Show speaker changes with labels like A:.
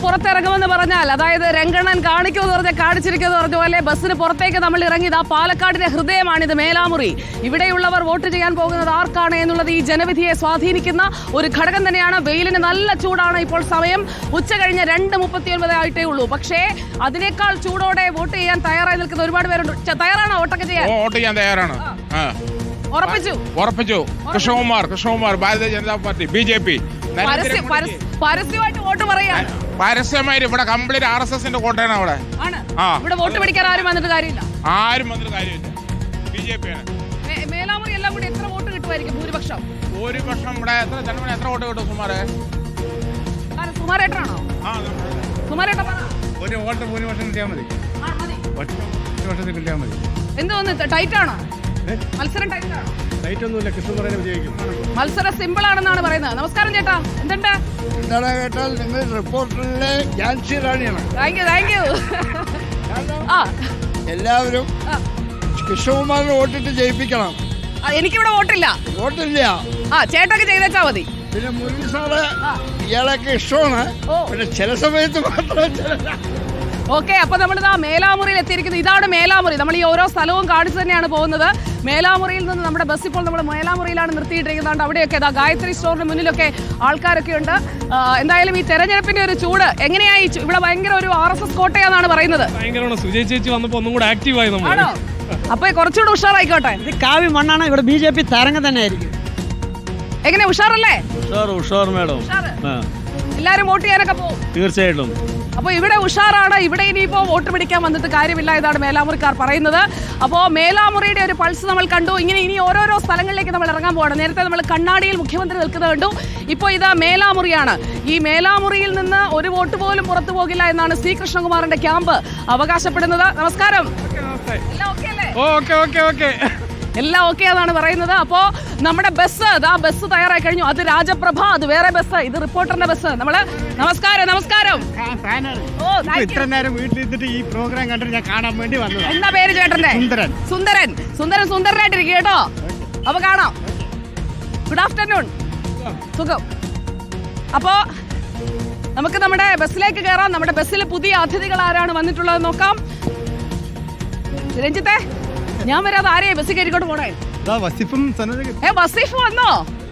A: പുറത്തിറങ്ങുമെന്ന് പറഞ്ഞാൽ, അതായത് രംഗണ്ണൻ കാണിക്കുമെന്ന് പറഞ്ഞാൽ കാണിച്ചിരിക്കുമെന്ന് പറഞ്ഞ പോലെ ബസ്സിന് പുറത്തേക്ക് നമ്മൾ ഇറങ്ങിയത് ആ പാലക്കാടിന്റെ ഹൃദയമാണിത്, മേലാമുറി. ഇവിടെയുള്ളവർ വോട്ട് ചെയ്യാൻ പോകുന്നത് ആർക്കാണ് എന്നുള്ളത് ഈ ജനവിധിയെ സ്വാധീനിക്കുന്ന ഒരു ഘടകം തന്നെയാണ്. വെയിലിന് നല്ല ചൂടാണ്. ഇപ്പോൾ സമയം ഉച്ച കഴിഞ്ഞ് 2:39 ആയിട്ടേ ഉള്ളൂ. പക്ഷേ അതിനേക്കാൾ ചൂടോടെ വോട്ട് ചെയ്യാൻ തയ്യാറായി നിൽക്കുന്ന ഒരുപാട് പേരുണ്ട്. തയ്യാറാണോ വോട്ടൊക്കെ ചെയ്യാൻ?
B: വോട്ട് ചെയ്യാൻ തയ്യാറാണ്. ഉറപ്പിച്ചു. Krishnakumar Bharatiya Janata party, BJP.
A: പരസ്യമായിട്ട് വോട്ട് പറയാൻ
B: പരസ്യമായിട്ട് ഇവിടെ കംപ്ലീറ്റ് RSSന്റെ കോട്ടയാണ് അവിടെ.
A: ഇവിടെ വോട്ട് പിടിക്കാൻ ആരും വന്നിട്ട് കാര്യമില്ല.
B: BJP ആണ്.
A: മേലാമുറി എല്ലാം കൂടി എത്ര വോട്ട് കിട്ടുമായിരിക്കും? ഭൂരിപക്ഷം
B: ഇവിടെ എത്ര വോട്ട് കിട്ടും സുമാരേ?
A: സുമാരേട്ടനാണോ?
C: ഒരു വോട്ട് ഭൂരിപക്ഷം കിട്ടിയാൽ മതി.
A: എന്ത് തോന്നുന്നു? ടൈറ്റ് ആണോ മത്സരം? ടൈറ്റ്
C: ഒന്നുമില്ല. കൃഷ്ണകുമാറിനെ വിജയിക്കും.
A: മത്സരം സിമ്പിൾ ആണെന്നാണ് പറയുന്നത്. നമസ്കാരം ചേട്ടാ, എന്തുണ്ട്?
C: എന്താണ് കേട്ടാൽ നിങ്ങൾ റിപ്പോർട്ടറിലെ ഝാൻസി റാണിയാണ്.
A: Thank you.
C: എല്ലാവരും കൃഷ്ണകുമാറിന് വോട്ടിട്ട് ജയിപ്പിക്കണം.
A: എനിക്കിവിടെ വോട്ടില്ല. ചേട്ടൊക്കെ ചെയ്തേച്ചാ മതി.
C: പിന്നെ മുരളി സാറ് ഇയാളൊക്കെ ഇഷ്ടമാണ്. പിന്നെ ചില സമയത്ത് മാത്രം.
A: ഓക്കെ, അപ്പൊ നമ്മളിതാ മേലാമുറിയിൽ എത്തിയിരിക്കുന്നത്. ഇതാണ് മേലാമുറി. നമ്മൾ ഈ ഓരോ സ്ഥലവും കാണിച്ചു തന്നെയാണ് പോകുന്നത്. മേലാമുറിയിൽ നിന്ന് നമ്മുടെ ബസ് ഇപ്പോൾ നമ്മൾ മേലാമുറിയിലാണ് നിർത്തിയിട്ടിരിക്കുന്നത്. അവിടെയൊക്കെ ഗായത്രി സ്റ്റോറിന് മുന്നിലൊക്കെ ആൾക്കാരൊക്കെ ഉണ്ട്. എന്തായാലും ഈ തെരഞ്ഞെടുപ്പിന്റെ ഒരു ചൂട് എങ്ങനെയായി? ഇവിടെ ഭയങ്കര ഒരു RSS കോട്ടയാണെന്നാണ് പറയുന്നത്.
D: സുജയ് ചേച്ചി വന്നപ്പോൾ ഒന്നും കൂടെ ആക്റ്റീവായി.
A: അപ്പൊ കുറച്ചുകൂടെ ഉഷാറായിക്കോട്ടെ.
E: ഇത് കാവ്യ മണ്ണാണ്. ഇവിടെ BJP തരംഗം തന്നെ ആയിരിക്കും.
A: എങ്ങനെ, ഉഷാറല്ലേ?
D: ഉഷാർ മേഡം.
A: എല്ലാരും വോട്ട് ചെയ്യാനൊക്കെ പോകും
D: തീർച്ചയായിട്ടും.
A: അപ്പോൾ ഇവിടെ ഉഷാറാണ്. ഇവിടെ ഇനിയിപ്പോൾ വോട്ട് പിടിക്കാൻ വന്നിട്ട് കാര്യമില്ല. ഇതാണ് മേലാമുറിക്കാർ പറയുന്നത്. അപ്പോൾ മേലാമുറിയുടെ ഒരു പൾസ് നമ്മൾ കണ്ടു. ഇനി ഓരോരോ സ്ഥലങ്ങളിലേക്ക് നമ്മൾ ഇറങ്ങാൻ പോകണം. നേരത്തെ നമ്മൾ കണ്ണാടിയിൽ മുഖ്യമന്ത്രി നിൽക്കുന്നത് കണ്ടു. ഇപ്പോൾ ഇതാ മേലാമുറിയാണ്. ഈ മേലാമുറിയിൽ നിന്ന് ഒരു വോട്ട് പോലും പുറത്തു പോകില്ല എന്നാണ് C. കൃഷ്ണകുമാറിന്റെ ക്യാമ്പ് അവകാശപ്പെടുന്നത്. നമസ്കാരം. എല്ലാം ഓക്കെ എന്നാണ് പറയുന്നത്. അപ്പോൾ നമ്മുടെ ബസ് തയ്യാറായി കഴിഞ്ഞു. അത് രാജപ്രഭ, അത് വേറെ ബസ്, ഇത് റിപ്പോർട്ടറിന്റെ ബസ്. നമ്മള് നമസ്കാരം.
C: ഇത്ര നേരം വീട്ടിലിരുന്നിട്ട് ഈ പ്രോഗ്രാം കണ്ടിട്ട് ഞാൻ കാണാൻ വേണ്ടി വന്നു.
A: എന്താ പേര് ചേട്ടന്റെ? സുന്ദരനായിട്ടിരിക്കും കേട്ടോ. അപ്പൊ കാണാം. Good afternoon. സുഖം. അപ്പോ നമുക്ക് നമ്മുടെ ബസ്സിലേക്ക് കയറാം. നമ്മുടെ ബസ്സിൽ പുതിയ അതിഥികൾ ആരാണ് വന്നിട്ടുള്ളത് നോക്കാം. രഞ്ജിത്തെ, ഞാൻ വരാതെ ആരെയാ ബസ്സിൽ കയറിക്കോട്ട് പോണേ? വസീഫ് വന്നോ?